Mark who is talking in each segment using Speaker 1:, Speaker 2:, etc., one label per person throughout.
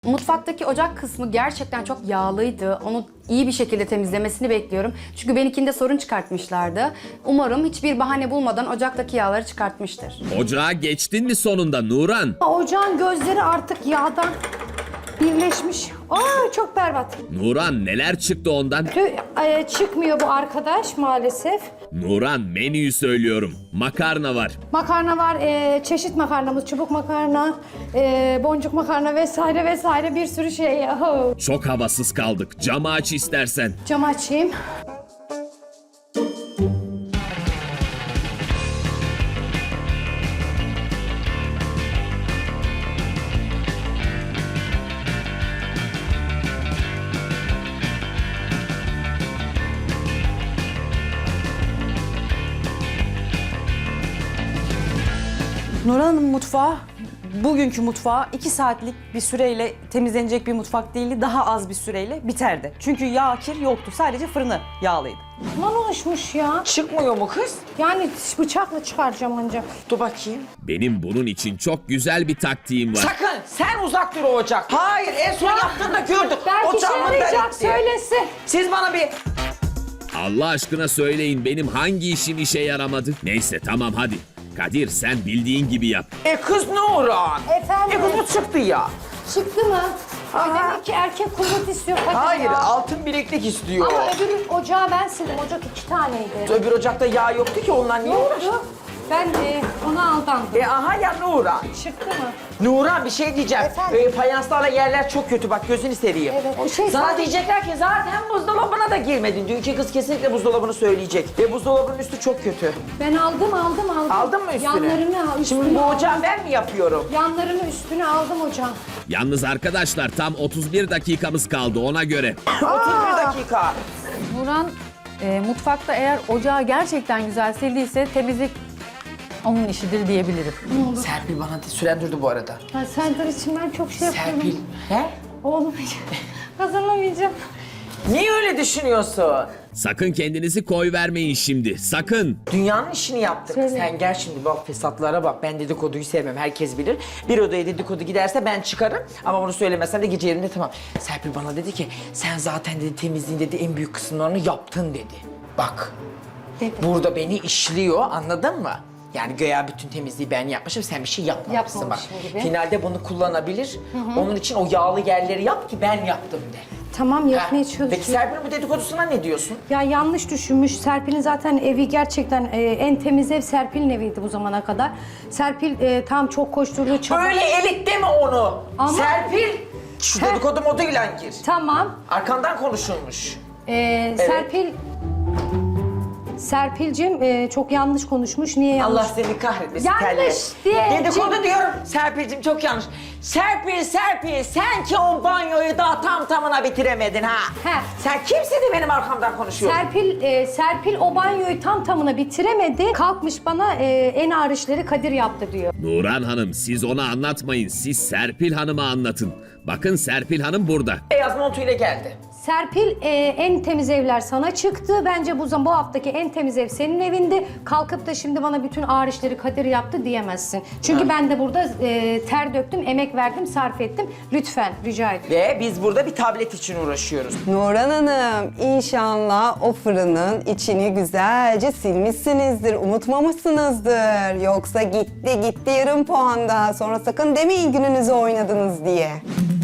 Speaker 1: Mutfaktaki ocak kısmı gerçekten çok yağlıydı. Onu iyi bir şekilde temizlemesini bekliyorum. Çünkü benimkinde sorun çıkartmışlardı. Umarım hiçbir bahane bulmadan ocaktaki yağları çıkartmıştır.
Speaker 2: Ocağa geçtin mi sonunda Nuran?
Speaker 3: Ocağın gözleri artık yağdan birleşmiş. Aa, çok berbat.
Speaker 2: Nuran neler çıktı ondan?
Speaker 3: Çıkmıyor bu arkadaş maalesef.
Speaker 2: Nuran menüyü söylüyorum. Makarna var.
Speaker 3: Makarna var, çeşit makarnamız, çubuk makarna, boncuk makarna vesaire vesaire bir sürü şey. Oh.
Speaker 2: Çok havasız kaldık. Camı aç istersen.
Speaker 3: Cam açayım.
Speaker 4: Nurhan Hanım mutfağı, bugünkü mutfağı 2 saatlik bir süreyle temizlenecek bir mutfak değildi. Daha az bir süreyle biterdi. Çünkü yağ, kir yoktu. Sadece fırını yağlıydı.
Speaker 3: Aman oluşmuş ya.
Speaker 5: Çıkmıyor mu kız?
Speaker 3: Yani bıçakla çıkaracağım ancak.
Speaker 5: Dur bakayım.
Speaker 2: Benim bunun için çok güzel bir taktiğim var.
Speaker 5: Sakın sen uzak dur o ocak. Hayır en son yaptığında gördük.
Speaker 3: Belki işe
Speaker 5: Ocağımın
Speaker 3: yarayacak,
Speaker 5: delikti.
Speaker 3: söylesin.
Speaker 5: Siz bana bir...
Speaker 2: Allah aşkına söyleyin benim hangi işim işe yaramadı? Neyse tamam hadi. Kadir sen bildiğin gibi yap.
Speaker 5: Kız Nurhan.
Speaker 3: Efendim?
Speaker 5: Kız bu çıktı ya.
Speaker 3: Çıktı mı? Ay,
Speaker 5: Aha.
Speaker 3: demek ki erkek kuvvet istiyor. Hadi
Speaker 5: Hayır
Speaker 3: ya.
Speaker 5: altın bileklik istiyor.
Speaker 3: Ama öbür ocağı ben sildim. Ocak 2 taneydi.
Speaker 5: Öbür ocakta yağ yoktu ki ondan niye uğraştın?
Speaker 3: Yoktu. Ben ona aldandım.
Speaker 5: Aha ya Nurhan.
Speaker 3: Çıktı mı?
Speaker 5: Nurhan bir şey diyeceğim.
Speaker 3: Efendim?
Speaker 5: Fayanslarla yerler çok kötü bak gözünü seveyim.
Speaker 3: Evet, o şey
Speaker 5: Sana
Speaker 3: zaten-
Speaker 5: diyecekler ki zaten buzdolabına da girmedin. Dünkü kız kesinlikle buzdolabını söyleyecek. Ve buzdolabının üstü çok kötü.
Speaker 3: Ben aldım.
Speaker 5: Aldın mı üstünü?
Speaker 3: Yanlarını al.
Speaker 5: Şimdi
Speaker 3: üstünü
Speaker 5: bu
Speaker 3: aldım.
Speaker 5: ocağı ben mi yapıyorum?
Speaker 3: Yanlarını üstüne aldım hocam.
Speaker 2: Yalnız arkadaşlar tam 31 dakikamız kaldı ona göre.
Speaker 5: 31 dakika.
Speaker 6: Nurhan mutfakta eğer ocağı gerçekten güzel sildiyse temizlik onun işidir diyebilirim.
Speaker 5: Serpil bana süren durdu bu arada.
Speaker 3: Ha, Serdar için ben çok şey yapıyorum.
Speaker 5: Serpil. He?
Speaker 3: Olmayacak. Kazanamayacağım.
Speaker 5: Niye öyle düşünüyorsun?
Speaker 2: Sakın kendinizi koy vermeyin şimdi. Sakın.
Speaker 5: Dünyanın işini yaptık.
Speaker 3: Söyle.
Speaker 5: Sen gel şimdi bak fesatlara bak. Ben dedikoduyu sevmem. Herkes bilir. Bir odaya dedikodu giderse ben çıkarım. Ama bunu söylemesem de gece yerinde tamam. Serpil bana dedi ki sen zaten dedi temizliğin dedi en büyük kısımlarını yaptın dedi. Bak.
Speaker 3: Dedi.
Speaker 5: Burada beni işliyor anladın mı? Yani göya bütün temizliği ben yapmışım, sen bir şey yapmamışsın bak.
Speaker 3: Yapmamışım gibi.
Speaker 5: Finalde bunu kullanabilir. Onun için o yağlı yerleri yap ki ben yaptım de.
Speaker 3: Tamam, yapmaya
Speaker 5: Ha,
Speaker 3: çalışıyorum.
Speaker 5: Peki Serpil'in bu dedikodusuna ne diyorsun?
Speaker 3: Ya yanlış düşünmüş. Serpil'in zaten evi gerçekten en temiz ev Serpil'in eviydi bu zamana kadar. Serpil tam çok koşturdu, çabuk.
Speaker 5: Öyle elit deme onu.
Speaker 3: Ama-
Speaker 5: Serpil, şu dedikodu moduyla gir.
Speaker 3: Tamam.
Speaker 5: Arkandan konuşulmuş.
Speaker 3: Serpil'cim çok yanlış konuşmuş. Niye yanlış?
Speaker 5: Allah seni kahretmesin.
Speaker 3: Yanlış
Speaker 5: terle.
Speaker 3: diye-
Speaker 5: Dedikodu diyorum. Serpil'cim çok yanlış. Serpil, sen ki o banyoyu daha tam tamına bitiremedin ha.
Speaker 3: He.
Speaker 5: Sen kimsin de benim arkamdan konuşuyorsun?
Speaker 3: Serpil o banyoyu tam tamına bitiremedi. Kalkmış bana en ağır işleri Kadir yaptı diyor.
Speaker 2: Nurhan Hanım siz ona anlatmayın. Siz Serpil Hanım'a anlatın. Bakın Serpil Hanım burada.
Speaker 5: Beyaz montuyla geldi.
Speaker 3: Serpil en temiz evler sana çıktı. Bence bu haftaki en temiz ev senin evinde. Kalkıp da şimdi bana bütün ağır işleri Kadir yaptı diyemezsin. Çünkü ben de burada ter döktüm, emek verdim, sarf ettim. Lütfen rica ediyorum.
Speaker 5: Ve biz burada bir tablet için uğraşıyoruz.
Speaker 7: Nurhan Hanım, inşallah o fırının içini güzelce silmişsinizdir, unutmamışsınızdır. Yoksa gitti yarım puan daha. Sonra sakın demeyin gününüzü oynadınız diye.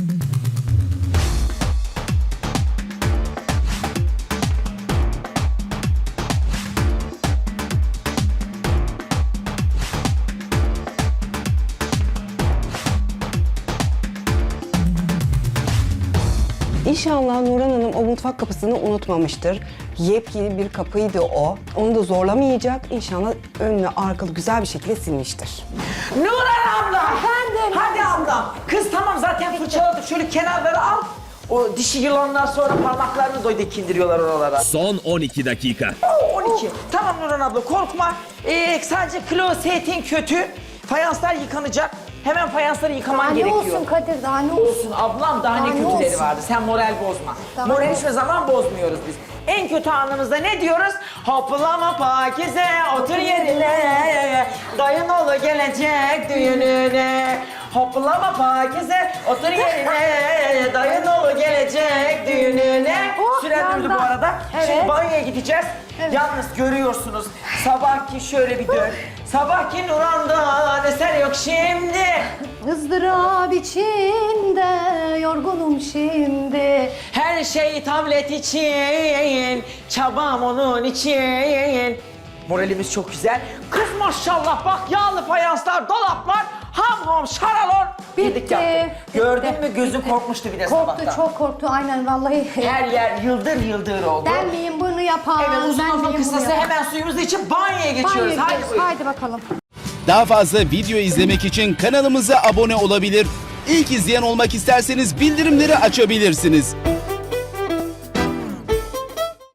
Speaker 7: İnşallah Nurhan Hanım o mutfak kapısını unutmamıştır. Yepyeni bir kapıydı o. Onu da zorlamayacak. İnşallah önlü arkalı güzel bir şekilde silmiştir.
Speaker 5: Nurhan abla!
Speaker 3: Efendim?
Speaker 5: Hadi abla! Kız tamam zaten fırçaladık. Şöyle kenarları al. O dişi yılanlar sonra parmaklarını dikindiriyorlar oralara.
Speaker 2: Son 12 dakika.
Speaker 5: 12. Tamam Nurhan abla korkma. Sadece klozetin kötü. Fayanslar yıkanacak. Hemen fayansları yıkaman
Speaker 3: Daha ne
Speaker 5: gerekiyor.
Speaker 3: olsun Kadir, daha ne olsun?
Speaker 5: Olsun ablam daha ne
Speaker 3: Daha ne
Speaker 5: kötüleri
Speaker 3: olsun?
Speaker 5: vardı. Sen moral bozma.
Speaker 3: Daha
Speaker 5: Moral
Speaker 3: ne
Speaker 5: hiçbir zaman bozmuyoruz biz. En kötü anımızda ne diyoruz? Hoplama Pakize otur yerine. Dayın oğlu gelecek düğününe. Hoplama pakize, otur yerine. Dayın oğlu gelecek düğününe.
Speaker 3: Oh,
Speaker 5: Süren durdu bu
Speaker 3: yanda.
Speaker 5: arada.
Speaker 3: Evet.
Speaker 5: Şimdi banyoya gideceğiz. Yalnız görüyorsunuz sabahki şöyle bir dön. Sabahki Nuran'dan eser yok şimdi.
Speaker 3: ızdırap içinde yorgunum şimdi.
Speaker 5: Her şey tablet için, çabam onun için. Moralimiz çok güzel. Kız maşallah bak yağlı fayanslar, dolaplar, ham ham şaralon.
Speaker 3: Bitti,
Speaker 5: Yedik yaptık. Gördün
Speaker 3: bitti,
Speaker 5: mü gözüm
Speaker 3: bitti.
Speaker 5: korkmuştu bir de
Speaker 3: Korktu,
Speaker 5: sabahtan.
Speaker 3: çok korktu aynen vallahi.
Speaker 5: Her yer yıldır yıldır oldu.
Speaker 3: Ben miyim bunu yapan?
Speaker 5: Evet uzun
Speaker 3: ben
Speaker 5: uzun
Speaker 3: miyim bunu
Speaker 5: kısası
Speaker 3: yapan?
Speaker 5: hemen suyumuzu içip banyoya geçiyoruz.
Speaker 3: Haydi,
Speaker 5: Hadi buyurun.
Speaker 3: haydi bakalım.
Speaker 8: Daha fazla video izlemek için kanalımıza abone olabilir. İlk izleyen olmak isterseniz bildirimleri açabilirsiniz.